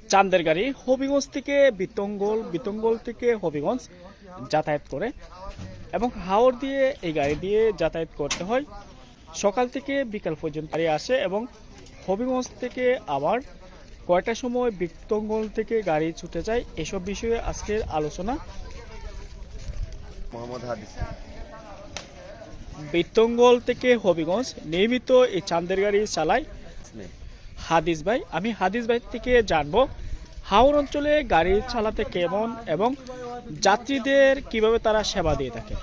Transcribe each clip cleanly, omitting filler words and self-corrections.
চান্দের গাড়ি হবিগঞ্জ থেকে বিতঙ্গল, বিতঙ্গল থেকে হবিগঞ্জ যাতায়াত করে এবং হাওড় দিয়ে এই গাড়ি দিয়ে যাতায়াত করতে হয়। সকাল থেকে বিকাল পর্যন্ত গাড়ি আসে এবং হবিগঞ্জ থেকে আবার কয়টার সময় বিতঙ্গল থেকে গাড়ি ছুটে যায়, এসব বিষয়ে আজকের আলোচনা। মোহাম্মদ হাদিস। বিতঙ্গল থেকে হবিগঞ্জ নিয়মিত এই চান্দের গাড়ি চালায় হাদিস ভাই। আমি হাদিস ভাই থেকে জানবো হাওড় অঞ্চলে গাড়ি চালাতে কেমন এবং যাত্রীদের কিভাবে তারা সেবা দিয়ে থাকে।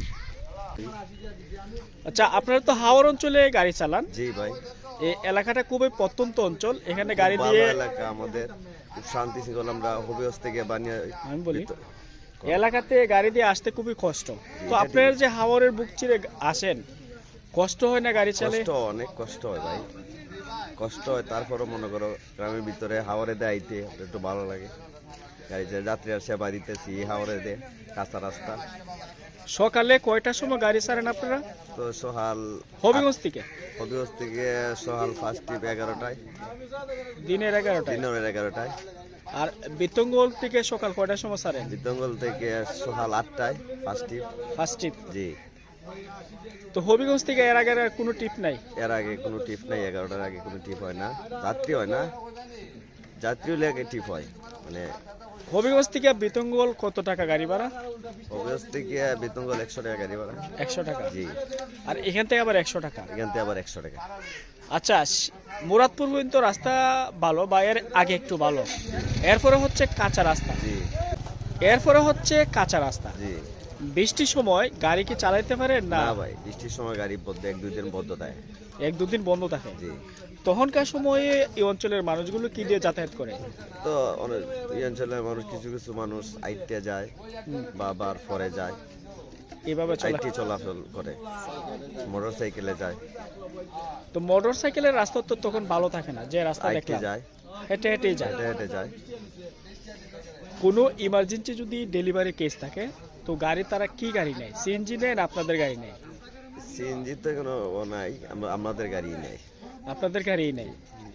আচ্ছা, আপনারা তো হাওড় অঞ্চলে গাড়ি চালান। জি ভাই। এই এলাকাটা খুবই প্রত্যন্ত অঞ্চল, এখানে গাড়ি ভালো দিয়ে এলাকা আমাদের, খুব শান্তি শৃঙ্খল। আমরা হবিগঞ্জ থেকে বানিয়ে আমি বলি এলাকাতে গাড়ি দিয়ে আসতে খুবই কষ্ট। তো আপনারা যে হাওড়ের বুক চিরে আসেন, কষ্ট হয় না গাড়ি চালে? কষ্ট, অনেক কষ্ট হয় ভাই, কষ্ট হয়। তারপরও মনে করো গ্রামের ভিতরে হাওড়ে দিয়ে আইতে একটু ভালো লাগে। গাড়িতে যাত্রীরা সেবা দিতেছি হাওড়ে দিয়ে, কাঁচা রাস্তা। সকালে কয়টার সময় গাড়ি ছাড়েন আপনারা? তো সকাল হবিগঞ্জ থেকে হবিগঞ্জ থেকে সকাল 11টায়, দিনের 11টায়। দিনের 11টায়। আর বিতঙ্গল থেকে সকাল কয়টার সময় ছাড়েন? বিতঙ্গল থেকে সকাল 8টায়, ফার্স্ট ট্রিপ। জি। তো হবিগঞ্জ থেকে এর আগে আর কোনো ট্রিপ নাই? এর আগে কোনো টিপ নাই, 11টার আগে কোনো টিপ হয় না। যাত্রী হয় না, যাত্রী হলে আগে টিপ হয়। মানে হবিগঞ্জ থেকে বিতঙ্গল কত টাকা গাড়ি ভাড়া? হবিগঞ্জ থেকে বিতঙ্গল 100 টাকা গাড়ি ভাড়া। 100 টাকা। জি। আর এখান থেকে আবার 100 টাকা। এখান থেকে আবার 100 টাকা। আচ্ছা, মুরাদপুর পর্যন্ত রাস্তা ভালো বা এর আগে একটু ভালো, এরপরে হচ্ছে কাঁচা রাস্তা। জি। এরপরে হচ্ছে কাঁচা রাস্তা। জি। বৃষ্টির সময় গাড়ি কি চালাইতে পারেন না? না ভাই, বৃষ্টির সময় গাড়ি বন্ধ, 1-2 দিন বন্ধ থাকে। 1-2 দিন বন্ধ থাকে। জি। তখনকার সময়ে এই অঞ্চলের মানুষগুলো কি দিয়ে যাতায়াত করে? তো অনেক এই অঞ্চলের মানুষ, কিছু কিছু মানুষ আইটে যায় বা আবার পরে যায়, এভাবে আইটে চলাচল করে, মোটর সাইকেলে যায়। তো মোটর সাইকেলের রাস্তা তো তখন ভালো থাকে না, যে রাস্তা আইটে দেখলাম যায়, হেঁটে হেঁটেই যায়। হেঁটে হেঁটে যায়। কোনো ইমার্জেন্সি যদি ডেলিভারি কেস থাকে তো গাড়ি তারা কি গাড়ি নেয়? সিএনজি নেয় না আপনাদের গাড়ি নেয়? সিএনজি তো কোনো নাই, আমাদের গাড়ি নেই। আপনাদের গাড়ি নেই।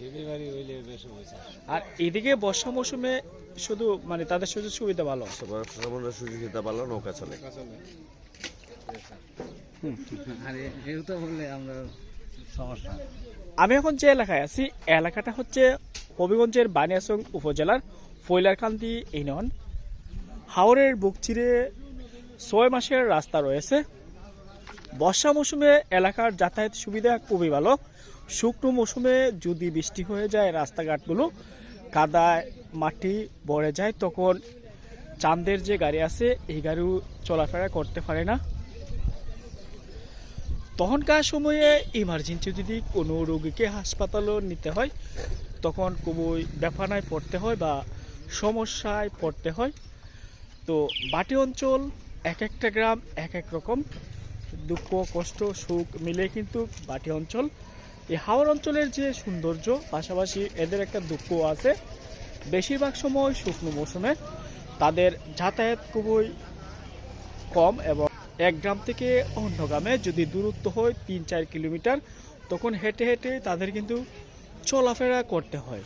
আর এদিকে বর্ষা মৌসুমে শুধু মানে তাদের সুযোগ সুবিধা ভালো। সবার সামান্য সুযোগ সুবিধা ভালো, নৌকা চলে। আমি এখন যে এলাকায় আছি, এলাকাটা হচ্ছে হবিগঞ্জের বানিয়াচং উপজেলার ফৈলারকান্দি ইউনিয়ন। হাওরের বুক চিরে 6 মাসের রাস্তা রয়েছে। বর্ষা মৌসুমে এলাকার যাতায়াত সুবিধা খুবই ভালো। শুকনো মৌসুমে যদি বৃষ্টি হয়ে যায়, রাস্তাঘাটগুলো কাদায় মাটি ভরে যায়, তখন চান্দের যে গাড়ি আছে এই গাড়িও চলাফেরা করতে পারে না। তখনকার সময়ে ইমার্জেন্সি যদি কোনো রোগীকে হাসপাতালও নিতে হয়, তখন খুবই বেফানায় পড়তে হয় বা সমস্যায় পড়তে হয়। তো বাটি অঞ্চল, এক একটা গ্রাম এক এক রকম, দুঃখ কষ্ট সুখ মিলে কিন্তু বাটি অঞ্চল। এই হাওড় অঞ্চলের যে সৌন্দর্য, পাশাপাশি এদের একটা দুঃখ আছে। বেশিরভাগ সময় শুকনো মৌসুমে তাদের যাতায়াত খুবই কম এবং এক গ্রাম থেকে অন্য গ্রামে যদি দূরত্ব হয় 3-4 কিলোমিটার, তখন হেঁটে হেঁটে তাদের কিন্তু চলাফেরা করতে হয়।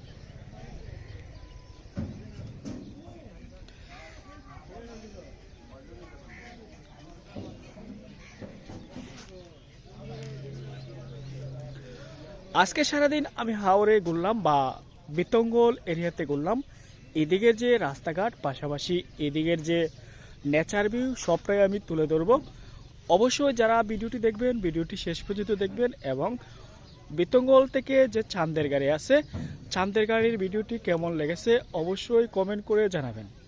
আজকে সারাদিন আমি হাওড়ে ঘুরলাম বা বিতঙ্গল এরিয়াতে ঘুরলাম। এদিকের যে রাস্তাঘাট, পাশাপাশি এদিকের যে নেচার ভিউ, সবটাই আমি তুলে ধরবো। অবশ্যই যারা ভিডিওটি দেখবেন, ভিডিওটি শেষ পর্যন্ত দেখবেন এবং বিতঙ্গল থেকে যে চান্দের গাড়ি আছে, চান্দের গাড়ির ভিডিওটি কেমন লেগেছে অবশ্যই কমেন্ট করে জানাবেন।